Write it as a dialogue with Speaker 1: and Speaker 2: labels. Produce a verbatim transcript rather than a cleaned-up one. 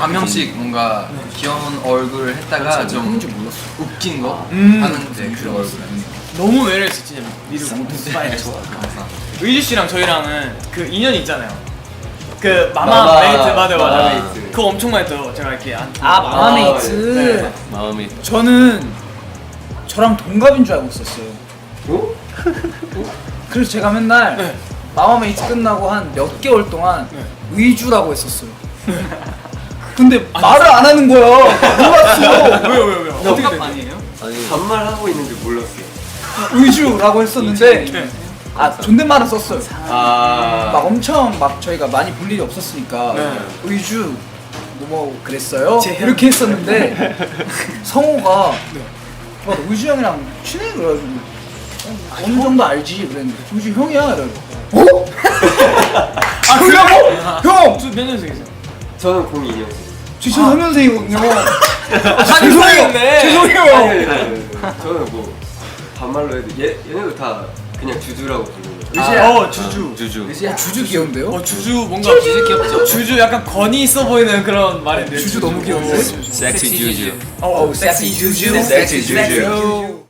Speaker 1: 한 명씩 뭔가
Speaker 2: 네.
Speaker 1: 귀여운 얼굴을 했다가 좀 웃긴 거
Speaker 2: 음.
Speaker 1: 하는데 그런 얼굴.
Speaker 2: 너무 매력있어 진짜. 미드 스파이 좋아. 의주 씨랑 저희랑은 그 인연이 있잖아요. 그 마마,
Speaker 3: 마마,
Speaker 2: 메이트 맞아 맞아.
Speaker 3: 마마 메이트.
Speaker 2: 그거 엄청 많이 떠요. 제가 이렇게 안.
Speaker 4: 아 마마메이트.
Speaker 2: 네.
Speaker 3: 마음이.
Speaker 4: 저는 저랑 동갑인 줄 알고 있었어요.
Speaker 3: 어?
Speaker 4: 그래서 제가 맨날
Speaker 2: 네.
Speaker 4: 마마메이트 끝나고 한 몇 개월 동안
Speaker 2: 네.
Speaker 4: 의주라고 했었어요. 근데 말을 안 하는 거야. 몰랐어.
Speaker 2: 왜요 왜요 왜요? 어떻게 된
Speaker 4: 아니에요?
Speaker 3: 아니
Speaker 5: 반말 하고 있는지 몰랐어요.
Speaker 4: 의주라고 했었는데
Speaker 2: 네.
Speaker 4: 아 존댓말은 썼어요.
Speaker 3: 아.
Speaker 4: 막 엄청 막 저희가 많이 볼 일이 없었으니까
Speaker 2: 네.
Speaker 4: 의주 뭐 그랬어요?
Speaker 2: 재현.
Speaker 4: 이렇게 했었는데 성호가
Speaker 2: 네.
Speaker 4: 와, 너 의주 형이랑 친해? 그래가지고 어, 어느 정도 알지? 그랬는데 의주 형이야? 이래 어? 아 그래요? 형!
Speaker 2: 몇 년생이세요?
Speaker 5: 저는 공이 년생.
Speaker 4: 지금 삼 년생이거든요.
Speaker 2: 아 죄송해요.
Speaker 4: 죄송해요.
Speaker 5: 저는 뭐 반말로 해도 얘 얘네도 다 그냥 주주라고 부르는 거예요.
Speaker 4: 의주야.
Speaker 2: 어 주주.
Speaker 3: 주주.
Speaker 4: 의주야 주주 귀여운데요?
Speaker 2: 어 주주 뭔가 주주 귀엽죠? 주주 약간 권위 있어 보이는 그런 말인데.
Speaker 4: 주주 너무 귀여운데?
Speaker 3: 섹시 주주.
Speaker 2: 어
Speaker 4: 섹시 주주.
Speaker 3: 섹시 주주.
Speaker 4: 섹시 주주.